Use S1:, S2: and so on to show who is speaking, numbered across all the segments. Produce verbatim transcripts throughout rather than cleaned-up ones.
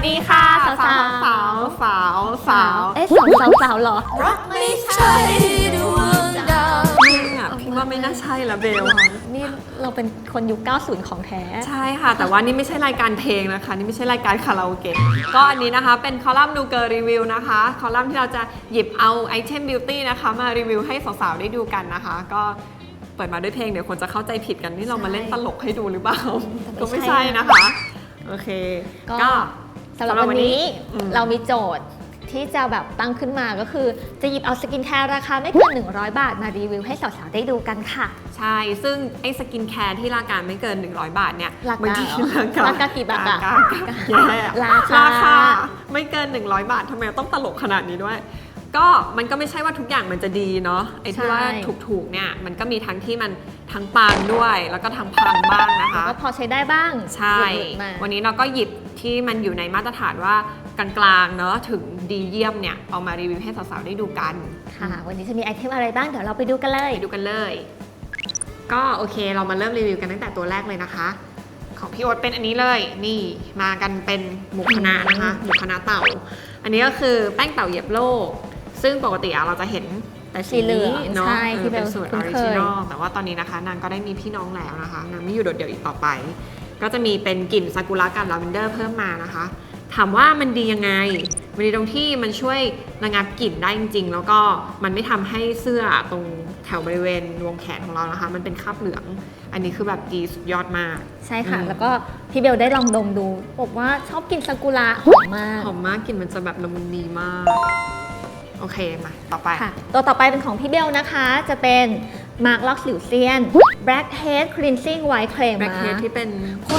S1: ดีค่ะสาวสาวสาวสาวสาว
S2: เอ๊ะสาวสาวสาวเหรอ
S1: รักไม่ใช่ดวงดาวไม่อะพี่ว่าไม่น่าใช่ละเบล
S2: นี่เราเป็นคนยุคเก้าสิบของแท้
S1: ใช่ค่ะแต่ว่านี่ไม่ใช่รายการเพลงนะคะนี่ไม่ใช่รายการคาราโอเกะก็อันนี้นะคะเป็นคอลัมน์นูเกอร์รีวิวนะคะคอลัมน์ที่เราจะหยิบเอาไอเทมบิวตี้นะคะมารีวิวให้สาวๆได้ดูกันนะคะก็เปิดมาด้วยเพลงเดี๋ยวคนจะเข้าใจผิดกันนี่เรามาเล่นตลกให้ดูหรือเปล่าก็ไม่ใช่นะคะโอเคก็
S2: สำหรับวันนี้เรามีโจทย์ที่จะแบบตั้งขึ้นมาก็คือจะหยิบเอาสกินแคร์ราคาไม่เกินหนึ่งร้อยบาทมารีวิวให้สาวๆได้ดูกันค่ะ
S1: ใช่ซึ่งไอ้สกินแคร์ที่ราคาไม่เกินหนึ่งร้อยบาทเนี่ย
S2: ราคาราคากี่บาทอะ
S1: ราคาราคาไม่เกินหนึ่งร้อยบาททำไมต้องตลกขนาดนี้ด้วยก็มันก็ไม่ใช่ว่าทุกอย่างมันจะดีเนาะไอ้ที่ว่าถูกๆเนี่ยมันก็มีทั้งที่มันทั้งปังด้วยแล้วก็ทั้งพังบ้างนะคะ
S2: ก็พอใช้ได้บ้าง
S1: ใช่วันนี้เราก็หยิบที่มันอยู่ในมาตรฐานว่ากลางๆเนาะถึงดีเยี่ยมเนี่ยเอามารีวิวให้สาวๆได้ดูกัน
S2: ค่ะวันนี้จะมีไอเทมอะไรบ้างเดี๋ยวเราไปดูกันเลย
S1: ไปดูกันเลยก็โอเคเรามาเริ่มรีวิวกันตั้งแต่ตัวแรกเลยนะคะของพี่โอ๊ตเป็นอันนี้เลยนี่มากันเป็นหมูคณะนะคะหมูคณะเต่าอันนี้ก็คือแป้งเต่าเหยียบโลกซึ่งปกติเราจะเห็นแต่สีเหลืองเนาะเป็นสูตรออริจินอลแต่ว่าตอนนี้นะคะนางก็ได้มีพี่น้องแล้วนะคะนางไม่อยู่โดดเดี่ยวอีกต่อไปก็จะมีเป็นกลิ่นซากุระกับลาเวนเดอร์เพิ่มมานะคะถามว่ามันดียังไงมันดีตรงที่มันช่วยระงับกลิ่นได้จริงๆแล้วก็มันไม่ทำให้เสื้อตรงแถวบริเวณวงแขนของเรานะคะมันเป็นคราบเหลืองอันนี้คือแบบดีสุดยอดมาก
S2: ใช่ค่ะแล้วก็พี่เบลได้ลองดมดูบอกว่าชอบกลิ่นซากุระหอมมาก
S1: หอมมากกลิ่นมันจะแบบละมุนดีมากโอเคมาต่อไป
S2: ค่ะตัวต่อไปเป็นของพี่เบลนะคะจะเป็นมาร์กล็อกสิวเซียน Blackhead Cleansing White Clay
S1: Blackhead ที่เป็น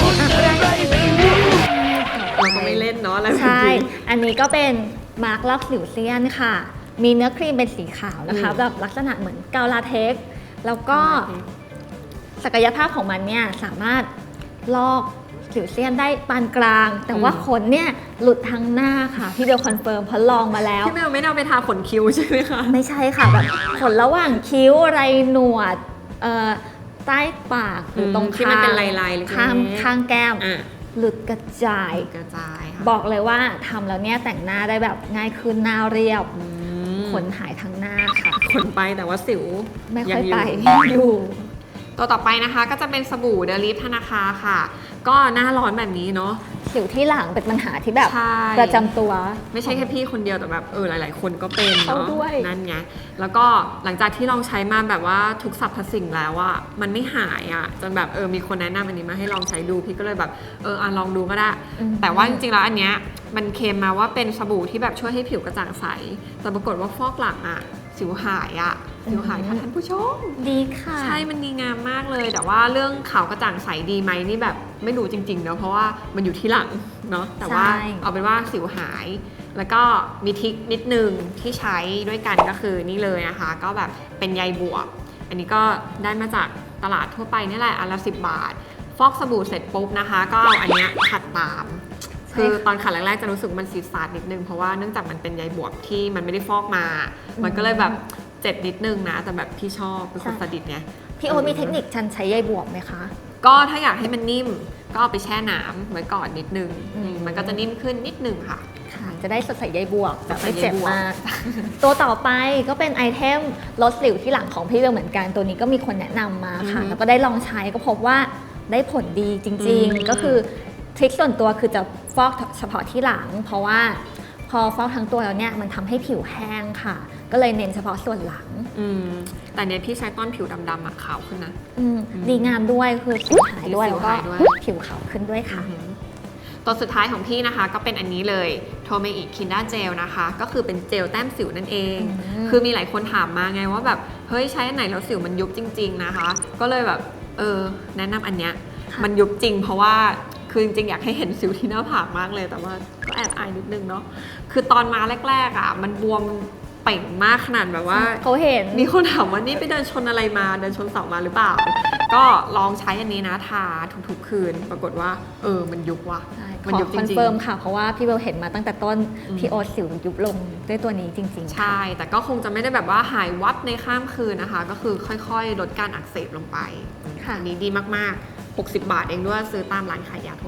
S1: เราก็ไม่เล่นเนาะอะไร
S2: ใช่อันนี้ก็เป็นมาร์กล็อกสิวเซียนค่ะมีเนื้อครีมเป็นสีขาวนะคะแบบลักษณะเหมือนกาวลาเท็กซ์แล้วก็ศักยภาพของมันเนี่ยสามารถลอกสิวเซียนได้ปานกลางแต่ว่าขนเนี่ยหลุดทั้งหน้าค่ะพี่เบลคอนเฟิร์มเพราะลองมาแล้ว
S1: พี่เบลไม่ได้เอาไปทาขนคิ้วใช่ไหมคะ
S2: ไม่ใช่ค่ะแบบขนระหว่างคิ้วไรหนวดใต้ปากหรือตรง
S1: ที่มันเป็นลายๆ
S2: ข้างข้างแก้มหลุดกระจาย
S1: กระจาย
S2: บอกเลยว่าทำแล้วเนี่ยแต่งหน้าได้แบบง่ายขึ้นหน้าเรียบขนหายทั้งหน้าค่ะ
S1: ขนไปแต่ว่าสิว
S2: ไม่ค่อยไปอยู่
S1: ตัวต่อไปนะคะก็จะเป็นสบู่เดลิฟธนาคาค่ะก็หน้าร้อนแบบนี้เนาะ
S2: สิวที่หลังเป็นปัญหาที่แบบประจำตัว
S1: ไม่ใช่แค่พี่คนเดียวแต่แบบเออหลายๆคนก็เป็นเนาะนั่นไงแล้วก็หลังจากที่ลองใช้มาแบบว่าทุกสรรพสิ่งแล้วอะมันไม่หายอะจนแบบเออมีคนแนะนำอันนี้มาให้ลองใช้ดูพี่ก็เลยแบบเอออ่ะลองดูก็ได้แต่ว่าจริงๆแล้วอันเนี้ยมันเคลมมาว่าเป็นสบู่ที่แบบช่วยให้ผิวกระจ่างใสแต่ปรากฏว่าฟอกหลังอะสิวหายอะสิวหายค่ะท่านผู้ชม
S2: ดีค่ะ
S1: ใช่มันดีงามมากเลยแต่ว่าเรื่องขาวกระจ่างใสดีไหมนี่แบบไม่รู้จริงๆเนาะเพราะว่ามันอยู่ที่หลังเนาะแต่ว่าเอาเป็นว่าสิวหายแล้วก็มีทริคนิดนึงที่ใช้ด้วยกันก็คือนี่เลยนะคะก็แบบเป็นใยบวบอันนี้ก็ได้มาจากตลาดทั่วไปนี่แหละอันละสิบบาทฟอกสบู่เสร็จปุ๊บนะคะก็เอาอันเนี้ยขัดตามคือตอนขัดแรกๆจะรู้สึกมันซีดซาดนิดนึงเพราะว่าเนื่องจากมันเป็นใยบวบที่มันไม่ได้ฟอกมามันก็เลยแบบเจ็บนิดนึงนะแต่แบบพี่ชอบเป็นคนสดิตไง
S2: พี่โอ๊ตมีเทคนิคชันใช้ใยบวบไหมคะ
S1: ก็ถ้าอยากให้มันนิ่มก็เอาไปแช่น้ำไว้ก่อนนิดนึงมันก็จะนิ่มขึ้นนิดนึงค่ะ
S2: ค่ะจะได้สดใสใยบวบแบบไม่เจ็บมากตัวต่อไปก็เป็นไอเทมลดสิวที่หลังของพี่เบลเหมือนกันตัวนี้ก็มีคนแนะนำมาค่ะแล้วก็ได้ลองใช้ก็พบว่าได้ผลดีจริงๆก็คือทริคส่วนตัวคือจะฟอกเฉพาะที่หลังเพราะว่าพอฟอกทั้งตัวแล้วเนี่ยมันทำให้ผิวแห้งค่ะก็เลยเน้นเฉพาะส่วนหลัง
S1: อืมแต่เนี่ยพี่ใช้ต้นผิวดำๆอะขาวขึ้นนะ
S2: อืมดีงามด้วยคือผิวหายด้วยแล้วก็ผิวขาวขึ้นด้วยค่ะ
S1: ตัวสุดท้ายของพี่นะคะก็เป็นอันนี้เลยโทเมอิคินดาเจลนะคะก็คือเป็นเจลแต้มสิวนั่นเองคือมีหลายคนถามมาไงว่าแบบเฮ้ยใช้อันไหนแล้วสิวมันยุบจริงๆนะคะก็เลยแบบเออแนะนำอันเนี้ยมันยุบจริงเพราะว่าคือจริงๆอยากให้เห็นสิวที่หน้าผากมากเลยแต่ว่าก็แอบอายนิดนึงเนาะคือตอนมาแรกๆอ่ะมันบวมเป่งมากขนาดแบบว่า
S2: เขาเห็น
S1: มีคนถามว่านี่ไปเดินชนอะไรมาเดินชนเสามาหรือเปล่าก็ลองใช้อันนี้นะทาทุกๆคืนปรากฏว่าเออมันยุบว่ะ
S2: มันยุบจริงๆคอนเฟิร์มค่ะเพราะว่าพี่เบลเห็นมาตั้งแต่ต้นพี่โอ๊ตสิวยุบลงด้วยตัวนี้จริงๆ
S1: ใช่แต่ก็คงจะไม่ได้แบบว่าหายวับในข้ามคืนนะคะก็คือค่อยๆลดการอักเสบลงไปอันนี้ดีมากๆหกสิบบาทเองด้วยซื้อตามร้านขายยาทั่วไป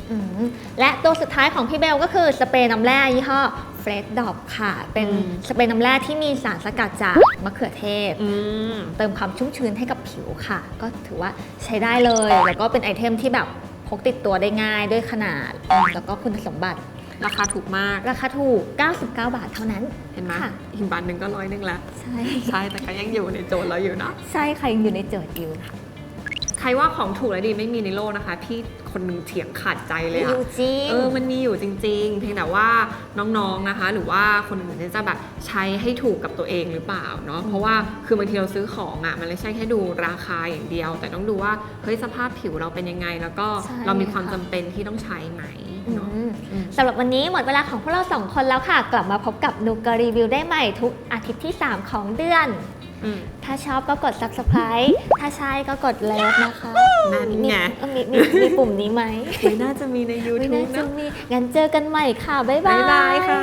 S2: อืมและตัวสุดท้ายของพี่เบลก็คือสเปรย์น้ำแร่ยี่ห้อ Fresh Drop ค่ะ เป็น
S1: อืม
S2: สเปรย์น้ำแร่ที่มีสารสกัดจากมะเขือเทศ
S1: อืม
S2: เติมความชุ่มชื้นให้กับผิวค่ะ ก็ถือว่าใช้ได้เลย แล้วก็เป็นไอเทมที่แบบพกติดตัวได้ง่ายด้วยขนาด แล้วก็คุณสมบัติ
S1: ราคาถูกมาก
S2: ราคาถูก เก้าสิบเก้า บาทเท่านั้น
S1: เห็นไหม
S2: ค่ะ
S1: อีกบาทหนึ่งก็ร้อยหนึ่งแล้ว
S2: ใช่
S1: ใช่แต่ก็ยังอยู่ในโจทย์เราอยู่นะ
S2: ใช่ค่ะยังอยู่ในโจทย์อยู่
S1: ใครว่าของถูกและดีไม่มีในโลกนะคะ พี่คนหนึ่งเถียงขาดใจเลย
S2: อ
S1: อะ
S2: ยู่จริง
S1: เออ มันมีอยู่จริงๆ เพียงแต่ว่าน้องๆ นะคะ หรือว่าคนอื่นเนี่ยจะแบบใช้ให้ถูกกับตัวเองหรือเปล่าเนาะ เพราะว่าคือบางทีเราซื้อของอะมันไม่ใช่แค่ดูราคาอย่างเดียว แต่ต้องดูว่าเฮ้ยสภาพผิวเราเป็นยังไง แล้วก็
S2: ใช่
S1: เรามีความ
S2: ค่ะ
S1: จำเป็นที่ต้องใช้ไหม
S2: อื
S1: เนาะ
S2: ม
S1: อืม
S2: สำหรับวันนี้หมดเวลาของพวกเราสองคนแล้วค่ะ กลับมาพบกับนูกรีวิวได้ใหม่ทุกอาทิตย์ที่ สาม ของเดือน
S1: อืม
S2: ถ้าชอบก็กด Subscribe ถ้าใช่ก็กดเลิฟนะคะ
S1: นั่นไง
S2: เออมีมีมีปุ่มนี้ไหม
S1: ไม่น่าจะมีใน
S2: ไม่
S1: YouTube
S2: น่าจะ
S1: นะ
S2: มี งั้นเจอกันใหม่ค่ะ บ๊ายบา
S1: บ๊าย ยบายค่ะ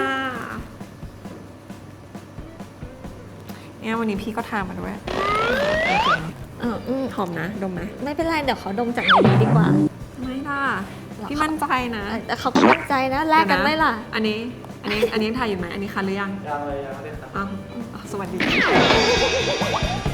S1: เนี่ยวันนี้พี่ก็ทามาด้วย
S2: เอออืม
S1: หอมนะ ดมไหม
S2: ไม่เป็นไร เดี๋ยวเขาดมจากในนี้ดีกว่า
S1: ไม่ล่ะ
S2: หรอ
S1: พี่มั่นใจนะ
S2: เออแต่เขาก็มั่นใจนะ แลกกันไหมล่ะ
S1: อันนี้ อันนี้ อันนี้ถ่ายอยู่ไหม อันนี้คันหรือยัง
S3: ยังเลยยังไม่ได้ครับ
S1: อ้าวอ้าวสวัสดี